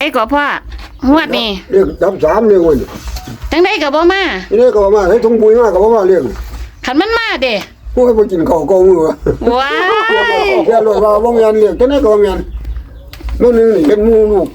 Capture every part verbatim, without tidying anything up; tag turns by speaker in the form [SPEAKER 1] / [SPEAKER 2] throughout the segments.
[SPEAKER 1] ก็พ่องวดนี่
[SPEAKER 2] เรียกจับสามเรียกวัน
[SPEAKER 1] จังได้ก็บ่มา
[SPEAKER 2] นี่ก็มาให้ทุ่งปุ๋ยมากก็มาเรียก
[SPEAKER 1] คันมันมาเด้
[SPEAKER 2] พวกไปกินข้าวกองมือ
[SPEAKER 1] ว้าย
[SPEAKER 2] แค่รถว่าบ่แม่นเรียกจังได๋ก็บ่แม่นมื้อนึงนี่เป็นหมู่ลูก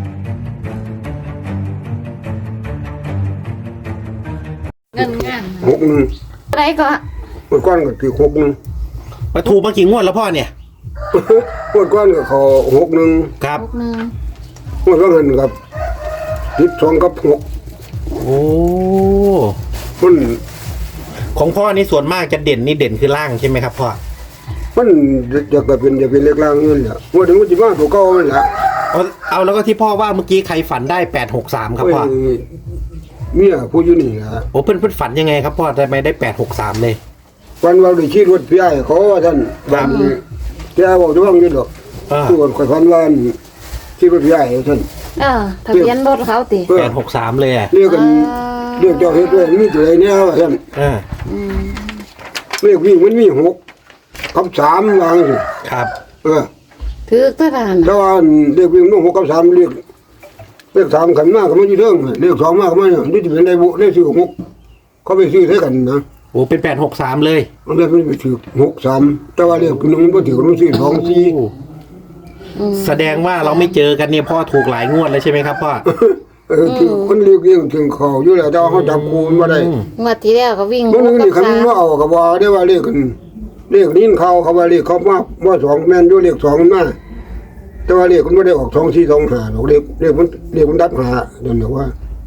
[SPEAKER 1] เงินงาน
[SPEAKER 2] หกหนึ่ง
[SPEAKER 1] ได้ก็
[SPEAKER 2] เมื่อก่อนก็คือหกหนึ่ง
[SPEAKER 3] มาถูกมากี่งวดแล้วพ่อเนี่ย
[SPEAKER 2] เมื่อก่อนก็เขาหกหนึ่ง
[SPEAKER 3] ครับ
[SPEAKER 1] หกหนึ่ง
[SPEAKER 2] เมื่อก่อนกับสิบสองกับหก
[SPEAKER 3] โอ้
[SPEAKER 2] มัน
[SPEAKER 3] ของพ่อนี่ส่วนมากจะเด่นนี่เด่นคือล่างใช่ไหมครับพ่อ
[SPEAKER 2] มันจะก็เป็นจะเป็นเล็กล่างเงินแหละว่าถึงมันจะมาตัวเก่ามันแหละ
[SPEAKER 3] เอาเอาแล้วก็ที่พ่อว่าเมื่อกี้ใครฝันได้แปดหกสามครับพ่อ
[SPEAKER 2] โอ้ยเมียผู้อยู่นี่นะ
[SPEAKER 3] โอ้เพื่อนเพื่อนฝันยังไงครับพ่อทำไมได้แปดหกสามเลย
[SPEAKER 2] วันเราได้ขี่รถพี่ไอ้เขาว่าท่านบ้านนี้พี่ไอ้บอกจะว่างอยืดหรอก
[SPEAKER 3] อ่า
[SPEAKER 2] ส่วนข่อยพันว่าขี่รถพี่ไอ้ท่าน
[SPEAKER 1] เออทะเบียนรถเขาติ
[SPEAKER 2] เออ
[SPEAKER 3] แปดหกสามเลยอ่ะ
[SPEAKER 2] เรียกกัน
[SPEAKER 1] อ่า
[SPEAKER 2] เรียกเจ้าเฮ็ดด้วยมีตัวไหนเนี่ยว่าท่าน
[SPEAKER 3] อ่า
[SPEAKER 1] อืม
[SPEAKER 2] เรียกวิ่งมันมีหกกับสามวางสิ
[SPEAKER 3] ครับ
[SPEAKER 2] เออ
[SPEAKER 1] ถือตะดาน
[SPEAKER 2] แต่ว่าเรียกวิ่งมันหกกับสามเรียกเรียกสามขันมากก็ไม่ยืดเรื่องเรียกสองมากก็ไม่เนี่ยนี่จะเป็นได้บุได้ซื้อหกเขาไปซื้อใช้กันนะ
[SPEAKER 3] โอ้เป็นแปดหกสามเลย
[SPEAKER 2] มันเลยไม่ไปถือหกสามแต่ว่าเรียกน้องมันถือมันซื้อสองสี่
[SPEAKER 3] โอ้แสดงว่าเราไม่เจอกันเนี่ยพ่อถูกหลายงวดเลยใช่ไหมครับพ่อ
[SPEAKER 2] เออถือคนเรียกเรียกถึงเขาอยู่แล้วแต่ว่าเขาจับคูณมาได้
[SPEAKER 3] อืม
[SPEAKER 1] งวดที่แล้วก็วิ่ง
[SPEAKER 2] มัน
[SPEAKER 1] หก
[SPEAKER 2] นี่
[SPEAKER 1] กับ
[SPEAKER 2] คัน
[SPEAKER 1] สาม
[SPEAKER 2] ว่าเอากับว่าได้ว่าเรียกกันเรียกนิ้นเขาเขาว่าเรียกเขามาว่าสองแม่นอยู่เรียกสองมาแต่ว่าเรียกมันไม่ได้ออกสองสี่สองห้าหรอกเรียกเรียกมันเรียกมันดับห้าเดี๋ยวนี้ว่าง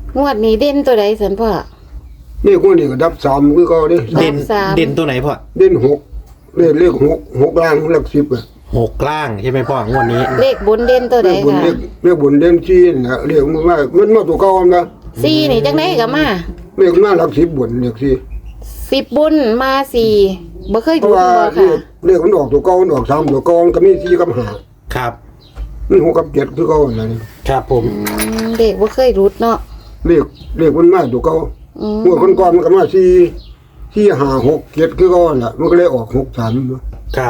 [SPEAKER 1] วดนี้เด่นตัวใดสันพ่อ
[SPEAKER 2] เรียกคนนี้ก็ดับสามคือเขาเด้
[SPEAKER 3] เด่น
[SPEAKER 1] สาม
[SPEAKER 3] เด่นตัวไหนพ่อ
[SPEAKER 2] เด่นหกเรียกเรียกหกหกล่างหลักสิบอะ
[SPEAKER 3] หกล่างใช่ไหมพ่องวดนี้
[SPEAKER 1] เลขบนเด่นตัวใด
[SPEAKER 2] เรียกบุญ
[SPEAKER 1] ค่ะ
[SPEAKER 2] เรียกเรียกบุญเด่นสี่นะเรียกมันว่ามันมาตัวเก่ามันนะ
[SPEAKER 1] สี่นี่จังได้ก็มา
[SPEAKER 2] เรียกมาหลักสิบบุญเรียกสี่
[SPEAKER 1] สิบบุญมาสี่บ่เคย
[SPEAKER 2] เพ
[SPEAKER 1] ดู
[SPEAKER 2] ราะว่า
[SPEAKER 1] บ่
[SPEAKER 2] เรีย
[SPEAKER 1] ค่ะ
[SPEAKER 2] กเรียกมันออกตัวเก่ามันออกสามตัวเก่ามันก็มีสี่กับห้า
[SPEAKER 3] ครับ
[SPEAKER 2] มันหกกับเจ็ดคือเก่าอะไรนี่
[SPEAKER 3] ครับผม
[SPEAKER 1] อืมเด็กบ่เคยรุดเนาะ
[SPEAKER 2] เรียกเรียกมันมาตัวเก่า
[SPEAKER 1] อืม
[SPEAKER 2] เมื่อคนก่อนมันก็มาสี่สี่ห้าหกเจ็ดคือเก่าแหละมันก็เลยออกหกสาม
[SPEAKER 3] ครับ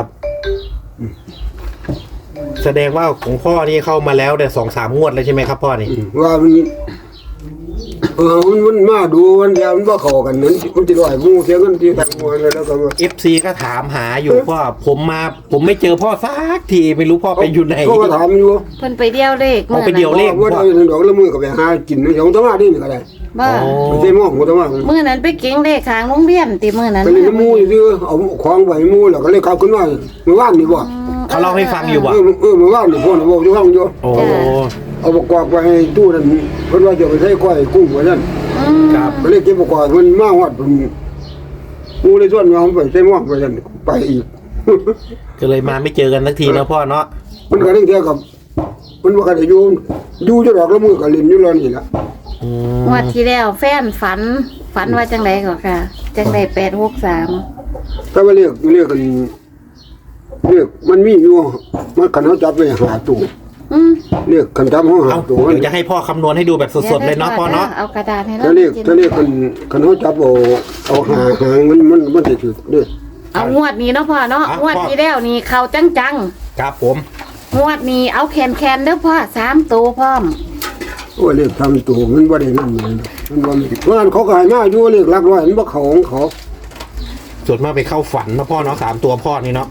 [SPEAKER 3] แสดงว่าของพ่อนี่เข้ามาแล้วแต่สองสามงวดเลยใช่ไหมครับพ่อนี่
[SPEAKER 2] ว่ามันเออมันมันมาดูมันยามันว่าเข้ากันนั้นมันจะลอยมูเสียเงินที่แต่งมวยแล้วก็ว่า
[SPEAKER 3] เอฟซีก็ถามหาอยู่พ่อผมมาผมไม่เจอพ่อสักทีไม่รู้พ่อไปอยู่ไหน
[SPEAKER 2] เขาก็ถามอยู่
[SPEAKER 1] เพิ่นไปเดียวเลข
[SPEAKER 3] เอาไปเดี่ยว เลข
[SPEAKER 2] ว่าได้เงินดอกละมือก็ไปหากินในของตะมานี่ก็ได้
[SPEAKER 1] บ่า
[SPEAKER 3] อ๋อ
[SPEAKER 2] ไม่ใช่หม้อของตะมา
[SPEAKER 1] มื้อนั้นไปเก่งเลขข้างโรงเรียนติมื้อนั้น
[SPEAKER 2] ไปเล่นน้ำมูซื้อเอาของไว้มูแล้วก็เลยกลับขึ้นมาเมื่อวานนี่บ่
[SPEAKER 3] เขาเล่าให้ฟังอยู่
[SPEAKER 2] เอ
[SPEAKER 3] บ่
[SPEAKER 2] อเออเมื่อวานนี่พ่อน่ะบอกอยู่ฟังอยู่
[SPEAKER 3] โอ้
[SPEAKER 2] เอาประกอบไปให้ตู้นั่นเพิ่นว่าจะไปใช้ก้อยกุ้งว่าซั่น
[SPEAKER 1] อืม
[SPEAKER 3] ครับ
[SPEAKER 2] ก็เลยเก็บประกอบมันมาฮอดเพิ่นมูเลยส่วนว่าผมไปใช้หม้อไปซั่นไปอีก
[SPEAKER 3] ก็เลยมาไม่เจอกันสักทีนะพ่อเนาะ
[SPEAKER 2] มันก็เรื่องเดียวกับมันว่ากันอยู่อยู่จะดอกละมือก็เล่นอยู่แล้วนี่ล่ะ
[SPEAKER 3] อืม
[SPEAKER 1] งวดที่แล้วแฟนฝันฝันว่าจังไดก็ค่ะ จังไดแปดหกสาม
[SPEAKER 2] ถ้าว่าเรียกเรียกกันเรียกมันมีอยู่มันคันเฮาจับไปหาตู้
[SPEAKER 1] อืม
[SPEAKER 2] เรียกคันจับเฮาหา
[SPEAKER 3] เอา
[SPEAKER 2] ตู้
[SPEAKER 3] เดี๋ยวจะให้พ่อคำนวณให้ดูแบบสดๆเลยเนาะพ่อเนาะ
[SPEAKER 1] เอากระดาษให้เรา
[SPEAKER 2] ถ้าเรียก
[SPEAKER 1] จิน
[SPEAKER 2] ถ้าเรียกคันคันเฮาจับเอาเอาหาหางมันมันมันสิถูกเด้อ
[SPEAKER 1] เอางวดนี้เนาะพ่อเนาะ
[SPEAKER 3] อ่ะ
[SPEAKER 1] งวด
[SPEAKER 3] พ่อ
[SPEAKER 1] ที่แล้วนี่เข้าจัง
[SPEAKER 3] ครับผม
[SPEAKER 1] ๆงวดนี้เอาแคนๆเด้อพ่อสามตัวพร้อม
[SPEAKER 2] โอ้เรียกทำตู้มันบ่ได้นั่นเลยมันบ่มีเพราะงั้นเขาก็ให้มาอยู่เรียกหลักร้อยมันบ่เข้าของเขา
[SPEAKER 3] ส่วนมากไปเข้าฝันนะพ่อเนาะสามตัวพ่อนี่เนาะ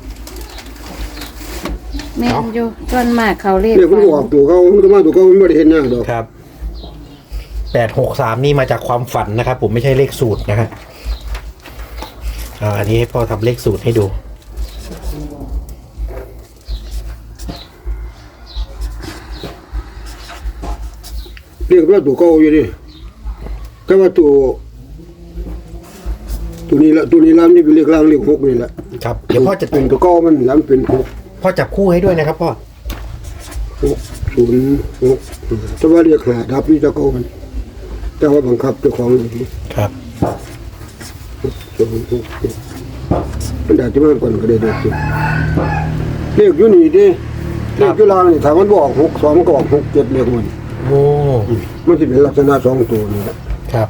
[SPEAKER 1] แม่นอยู่ส่วนมากเขาเลข
[SPEAKER 2] เรียกมันก็ออกตู้เขามันก็มาตู้เขามันบ่ได้เห็นหน้าดอก
[SPEAKER 3] ครับแปดหกสามนี่มาจากความฝันนะครับ ผมไม่ใช่เลขสูตรนะฮะอ่าอันนี้ให้พ่อทำเลขสูตรให้ดู
[SPEAKER 2] เรียกว่าตู้เก่าอยู่ดิแต่ว่าตู้ตัวนี้ละตัวนี้ล่ะนี่เป็นเลขล่างเลขหกนี่แหละ
[SPEAKER 3] ครับเดี๋ยวพ่อจะ
[SPEAKER 2] เป็นตัวเก่ามันแล้วมันเป็นหก
[SPEAKER 3] พ่อจับคู่ให้ด้วยนะครับพ่อ
[SPEAKER 2] หกศูนย์หกแต่ว่าเรียกหาดับนี่ตะเก่ามันแต่ว่าบังคับเจ้าของอยู่ที่
[SPEAKER 3] ครับ
[SPEAKER 2] ศูนย์หกหกมันได้จะมาก่อนก็ได้เด็กอยู่เลขอยู่นี่ดิเลขอยู่ล่างนี่ถ้ามันบอกหกสองมันก็ออกหกเจ็ดเลขมัน
[SPEAKER 3] โอ้
[SPEAKER 2] มันสิเป็นลักษณะสองตัวนี่แหละ
[SPEAKER 3] ครับ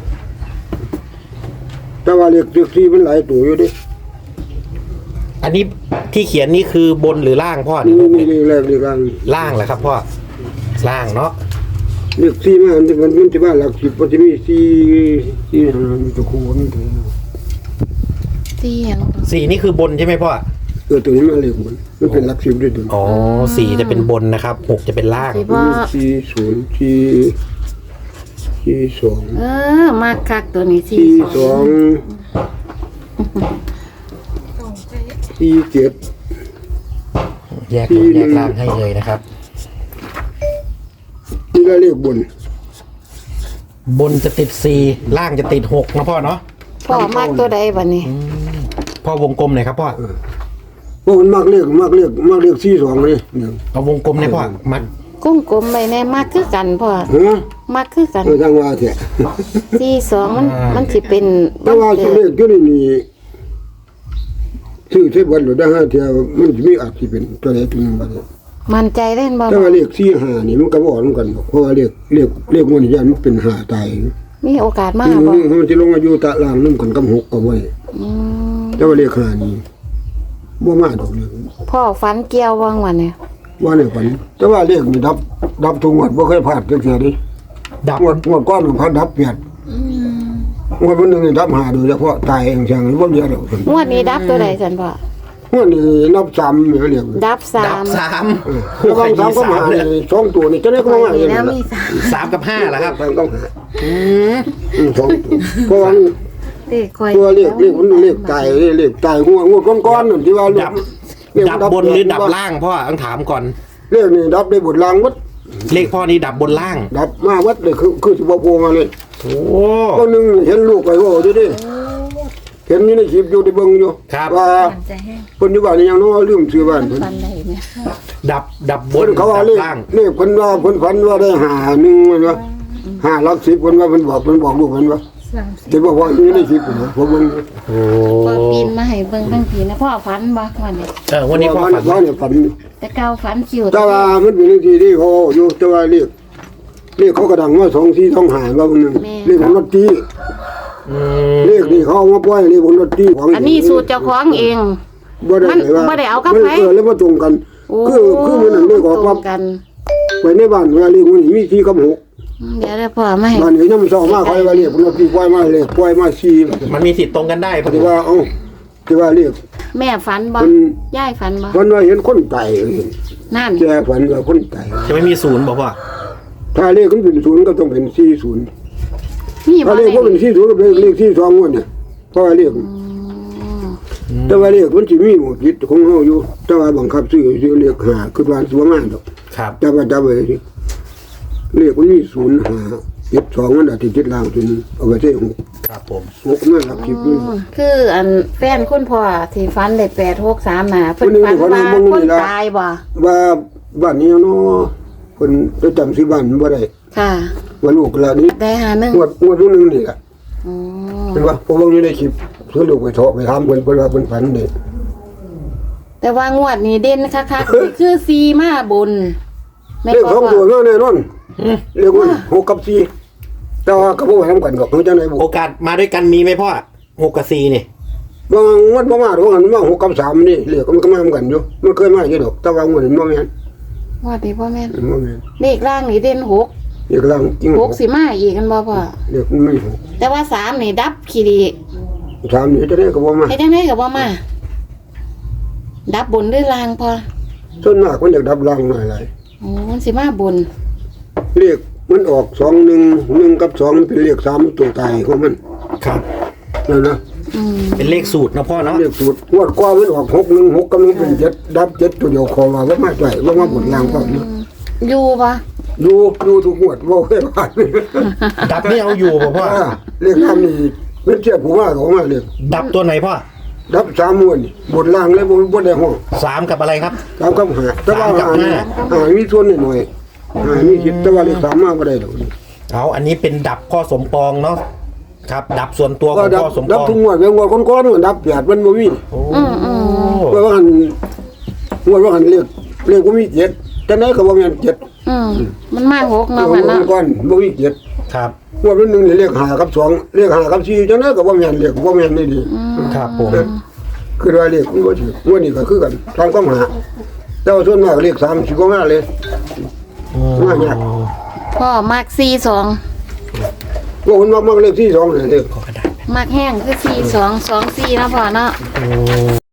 [SPEAKER 2] แต่ว่าเลขเลขที่มันหลายตัวอยู่ดิ
[SPEAKER 3] อันนี้ที่เขียนนี่คือบนหรือล่างพ่อ
[SPEAKER 2] นี่
[SPEAKER 3] นี่
[SPEAKER 2] นี่เลขแรกเลขล่าง
[SPEAKER 3] ล่างเหรอครับพ่อล่างเนาะ
[SPEAKER 2] เลขสี่มามันมันมันจะว่าหลักสิบมันจะมีสี่สี่ห้ามันจะคูณถึง
[SPEAKER 1] สี่หยัง
[SPEAKER 3] สี่นี่คือบนใช่ไหมพ่อ
[SPEAKER 2] เออตัวนี้มันเลขมันมันเป็นหลักสิบด้วยตัว
[SPEAKER 3] อ๋อสี่จะเป็นบนนะครับหกจะเป็นล่าง
[SPEAKER 1] สิบ่
[SPEAKER 2] สี่ศูนย์สี่สี่สอง
[SPEAKER 1] เออมากคักตัวนี้สี่
[SPEAKER 2] สี่
[SPEAKER 1] ส
[SPEAKER 2] ส
[SPEAKER 1] อ
[SPEAKER 2] อง งสี่เจ็ด
[SPEAKER 3] แยกบนแยกล่างให้เลยนะครับ
[SPEAKER 2] นี่ก็เลขบน
[SPEAKER 3] บนจะติดสี่ล่างจะติดหกนะพ่อเนาะ
[SPEAKER 1] พ่อมากตัวใดบัดนี้
[SPEAKER 3] พ่อวงกลมหน่อยครับพ่อ
[SPEAKER 2] พวกมันมากเลขมากเลขมากเลขสี่สองเลยเนี่ย
[SPEAKER 3] เอาวงกลมหน่อยพ่อมัด
[SPEAKER 1] กุ้งกลมไปแน่มากคือกันพ่อ
[SPEAKER 2] ฮะ
[SPEAKER 1] มากคือกัน
[SPEAKER 2] เออทางว่าเถอะ
[SPEAKER 1] สี่สองมันมันสิเป็น
[SPEAKER 2] แต่ว่าตัวเลขตัวนี้นี่ชื่อเทพวันหรือได้ห้าเทียวมันจะมีอาจจะเป็นตัวเลขตัวหนึงมาเลย
[SPEAKER 1] มันใจเล่นบ่
[SPEAKER 2] แต่ว่าเลขสี่ห้านี่มันก็บอกเหมือนกันบอกเพราะว่าเลขเลขเลขมันยันมันเป็นห้าตาย
[SPEAKER 1] มีโอกาสมาก
[SPEAKER 2] อื
[SPEAKER 1] บ่
[SPEAKER 2] มมันจะลงอายุตะลางนุ่มกันกับหกเอาไว้
[SPEAKER 1] อืม
[SPEAKER 2] แต่ว่าเลขห้านี่บ่มาดอกเลย
[SPEAKER 1] พ่อฝันเกี่ยวว่างวันเนี่ย
[SPEAKER 2] ว่าในฝันแต่ว่าเลขนี่ดับ ดับทุกงวดบ่เคยพลาดจักเทื่อดิ
[SPEAKER 3] ดับ
[SPEAKER 2] งวดงวดก้อนมันพัดดับเปลี่ยนงวดวันหนึงนี่ดับหาโดยเฉพาะตายเองจังบ่เยอะดอก
[SPEAKER 1] งวดนี้ดับตัวใดสันพ่อง
[SPEAKER 2] วดนี้นับซ้ำเนี่ยเรียก
[SPEAKER 1] ดับสา
[SPEAKER 3] ดับ
[SPEAKER 1] ม
[SPEAKER 3] สาม
[SPEAKER 2] ระวังซ้ำก็มาเลยสองตัวนี่จะได้ก็มา
[SPEAKER 1] มี
[SPEAKER 2] อย่าง
[SPEAKER 1] แล้ว
[SPEAKER 2] นั้น
[SPEAKER 1] มีสาม
[SPEAKER 3] สามกับห้าเหรอครับ
[SPEAKER 2] ซ้ำต้องหา
[SPEAKER 3] อืม
[SPEAKER 2] อืมสองตัวเพราะว่า
[SPEAKER 1] เลขคอย
[SPEAKER 2] ตัวเลขเลขมันเลขตายเลขตายงวดงวดก้อนๆนั่นที่ว่าเลข
[SPEAKER 3] ดับ
[SPEAKER 2] เลข
[SPEAKER 3] ดับบนหรือดับล่างพ่อต้องถามก่อน
[SPEAKER 2] เลขนี่ดับได้บทลางวัด
[SPEAKER 3] เลขพ่อนี่ดับบนล่าง
[SPEAKER 2] ดับมาวัดเลยคือคือสิบ่โผล่มาเลย
[SPEAKER 3] โอ้
[SPEAKER 2] ก็นึงเห็นลูกไปโอ้ดิดิเห็นอยู่ในคลิปอยู่ในเบิ่งอยู่
[SPEAKER 3] ครับ
[SPEAKER 2] ว่า
[SPEAKER 1] มันใจแห้ง
[SPEAKER 2] เพิ่นอยู่บ้านนี่ยังน้อลืมซื้อบ้านเพิ่น
[SPEAKER 1] ฟันได้ไหม
[SPEAKER 3] ดับดับบ
[SPEAKER 2] เพิ่
[SPEAKER 3] น
[SPEAKER 2] นเขาว่า
[SPEAKER 3] ดับ
[SPEAKER 2] เลข
[SPEAKER 3] ล่าง
[SPEAKER 2] เลขเพิ่นว่าเพิ่นฝันว่าได้หาหนึ่งมันว่าห้าหลักสิบเพิ่นว่าเพิ่นบอกเพิ่นบอกลูกเพิ่นว่า
[SPEAKER 1] สามสิบ
[SPEAKER 2] แต่บอกว่าอยู่ในคลิปนะผมเบิ่ง
[SPEAKER 3] โอ้
[SPEAKER 1] พ่อปีนมาให้เบิ่งทั้งทีนะพ่อฝันบ่วันนี้
[SPEAKER 3] เออวันนี้พ่อฝัน
[SPEAKER 2] ว่าเนี่ยฝัน
[SPEAKER 1] แต่เก่าฝันคิว
[SPEAKER 2] แต่ว่ามันเป็นเรื่องที่ที่เขาอยู่แต่ว่าเรียกเรียกเขากระดังว่าสองสี่ต้องหายว่ามันหนึ่งเรียกของรถตี
[SPEAKER 3] อืม
[SPEAKER 2] เรียกนี่เขาเอามาปล่อยเรียกของรถตีของ
[SPEAKER 1] อันนี้สูตรเจ้าของเอง
[SPEAKER 2] บ่ได้
[SPEAKER 1] มัน
[SPEAKER 2] ไหนว่า
[SPEAKER 1] บ่ได้เอากับ
[SPEAKER 2] มัน
[SPEAKER 1] ไผ
[SPEAKER 2] เออแล้วมาตรงกัน
[SPEAKER 1] โอ้
[SPEAKER 2] คือคือมันนั่นเรียกออก
[SPEAKER 1] ตร
[SPEAKER 2] ว่าง
[SPEAKER 1] กัน
[SPEAKER 2] ไปในบ้านเวลาเรียกมันมีสี่กับหก
[SPEAKER 1] เดี๋ยวได้พ่อมาให้
[SPEAKER 2] บ้านนี้น้ำซองมาเขาว่าเรียกของรถตีปล่อยมาเรียกปล่อยมาสี่
[SPEAKER 3] มันมีสิทธิ์ตรงกันได้พ่อ
[SPEAKER 2] ที่ว่าเอ้าที่ว่าเรียก
[SPEAKER 1] แม่ฝันบ่
[SPEAKER 2] มัน
[SPEAKER 1] ยายฝันบ่
[SPEAKER 2] มันว่าเห็นคนตาย
[SPEAKER 1] นั่น
[SPEAKER 2] แกฝันว่าคนตาย
[SPEAKER 3] จะไม่มีศูนย์บอกพ่อ
[SPEAKER 2] ถ้าเรียกมันเป็นศูนย์ก็ต้องเป็นสี่ศูนย์
[SPEAKER 1] นี่บ่
[SPEAKER 2] ถ้าเรียกว่าเป็นสี่ศูนย์ก็เป็นเลขที่สองวันเนี่ยเพราะว่าเรียก แต่ว่าเรียกมันสิมีหมดจิตของเฮาอยู่แต่ว่าบังคับซื้อซื้อเรียกหาคือว่าสิบ่มาดอก
[SPEAKER 3] ครับ
[SPEAKER 2] จับว่าจับไว้สิเรียกมันมีศูนย์หาเจ็ดสองมันอาจสิจิตล่างตัวนึงเอาไว้ใช้หก
[SPEAKER 3] ครับผม
[SPEAKER 2] หกนั่นหลักสิบนี่
[SPEAKER 1] คืออันแฟนคุณพ่อที่ฝันได้แปดหกสามน่ะเพิ่น
[SPEAKER 2] คนนี้
[SPEAKER 1] ฝัน
[SPEAKER 2] คนนี้
[SPEAKER 1] ว่า
[SPEAKER 2] มึง
[SPEAKER 1] คน
[SPEAKER 2] นี่ล่ะ
[SPEAKER 1] ตายบ่
[SPEAKER 2] ว่าบ้านนี้เนาะเพิ่นจะจำสิบ้านบ่ได้
[SPEAKER 1] ค่ะ
[SPEAKER 2] ว่าลูกละนี้
[SPEAKER 1] ได้หาหนึ่ง
[SPEAKER 2] งวดงวดตัวนึงนี่ล่ะ
[SPEAKER 1] อ๋อ
[SPEAKER 2] เห็นว่าพอเบิ่งอยู่ในคลิปซื้อลูกไปเถาะไปถามเพิ่นเพิ่นว่าเพิ่นฝันเด้
[SPEAKER 1] แต่ว่างวดนี้เด่นคักๆนี่คือซีมาบนแม่
[SPEAKER 2] เลข
[SPEAKER 1] ก็
[SPEAKER 2] สอง
[SPEAKER 1] ว่า
[SPEAKER 2] ตัวมาแน่นอนเรียกว่าหกกับสี่แต่ว่าก็บ่ไว้ทำกันดอกคือจังได๋บ่
[SPEAKER 3] โอกาสมาด้วยกันมีไหมพ่อหกกับสี่นี่
[SPEAKER 2] บางวันบ่มาดอกอันมาหกกับสามนี่เรียกมันก็มาเหมือนกันอยู่มันเคยมาอยู่ดอกแต่ว่างวดนี้บ่แม่น
[SPEAKER 1] งวดนี้พ่อแม่น
[SPEAKER 2] บ่แม่น
[SPEAKER 1] เลขล่างนี่เด่นหก
[SPEAKER 2] เรียกลังจริง
[SPEAKER 1] หกสิมาอีกกันบ่พ่อ
[SPEAKER 2] เรียกมันไม่หก
[SPEAKER 1] แต่ว่าสามนี่ดับขี้ดี
[SPEAKER 2] สามนี่จะได้ก็บ่มา
[SPEAKER 1] เฮ็ดจังได๋ก็บ่มา ดับบนหรือล่างพ่อ
[SPEAKER 2] ส่วนมากมันอยากดับลังหน่อยหลาย
[SPEAKER 1] โอ้มันสิมาบน
[SPEAKER 2] เรียกมันออกสองหนึ่งหนึ่งกับสองมันเป็นเรียกสามตัวตายของมัน
[SPEAKER 3] ครับ
[SPEAKER 2] นั่นนะ
[SPEAKER 1] อืม
[SPEAKER 3] เป็นเลขสูตรนะพ่อเนาะ
[SPEAKER 2] เรียกสูตรงวดกว่ามันออกหกหนึ่งหกกับหนึ่งเป็นเจ็ดดับเจ็ดตัวเดียวคอว่าบ่มาใส่บ่มาบนล่างพร้อมนะ
[SPEAKER 1] อยู่บ่
[SPEAKER 2] ดูดูทุกงวดบ่เคยผ่าน
[SPEAKER 3] ดับนี่เอาอยู่บอกพ่อ
[SPEAKER 2] อ่าเรียกทำนี่มันเทียบผู้ว่าของมาเรียก
[SPEAKER 3] ดับตัวไหนพ่อ
[SPEAKER 2] ดับสามมวนนี่บนล่างเลยบ่บ่ได้ห้อง
[SPEAKER 3] สามกับอะไรครับ
[SPEAKER 2] สามกับห้าแต่ว่า
[SPEAKER 3] สามกับ
[SPEAKER 2] หานี่
[SPEAKER 3] ห้า
[SPEAKER 2] หามีส่วนหน่อยๆหามีคิดแต่ว่าเลขสามมาบ่ได้ดอก
[SPEAKER 3] เอาอันนี้เป็นดับพ่อสมปองเนาะครับ ดับส่วนตัวข
[SPEAKER 2] ก็
[SPEAKER 3] อง
[SPEAKER 2] ดับ
[SPEAKER 3] พ่อสม
[SPEAKER 2] ดั
[SPEAKER 3] ป
[SPEAKER 2] บ
[SPEAKER 3] อง
[SPEAKER 2] ทุกงวดแล้วงวดก้อนๆมันดับแปดมันบ่มี
[SPEAKER 3] โอ้
[SPEAKER 1] อืมอืม
[SPEAKER 2] เพราะว่าหันงวดว่าหันเรียกเรียกบ่มีเจ็ดแต่ไหนก็บ่แม่นเจ็ด
[SPEAKER 1] อืมมันมาหก
[SPEAKER 2] งว
[SPEAKER 1] เนาะ
[SPEAKER 2] ด
[SPEAKER 1] พ่อเนาะ
[SPEAKER 2] ก้อนบ่มีเจ็ด
[SPEAKER 3] ครับ
[SPEAKER 2] งวดวันหนึงนี่เรียกห้ากับสองเรียกห้ากับสี่จังได๋ก็บ่แม่นเรียกบ่แม่นนี่ดี
[SPEAKER 3] ครับผม
[SPEAKER 2] คือว่าเรียกมันบ่ถูกงวดนี้ก็คือกันทางก็หาแต่ว่าส่วนมากเรียกสามสิบกว่ามาเลย
[SPEAKER 3] อ
[SPEAKER 2] มาเนี่ย
[SPEAKER 1] พ่อมักสี่สอง
[SPEAKER 2] ว่าคนมากมากเลขที่สองเลยเด็ก
[SPEAKER 3] ขอกระดาษ
[SPEAKER 1] มักแห้งคือสี่สองสองสี่นะพ่อเนาะ
[SPEAKER 3] โอ้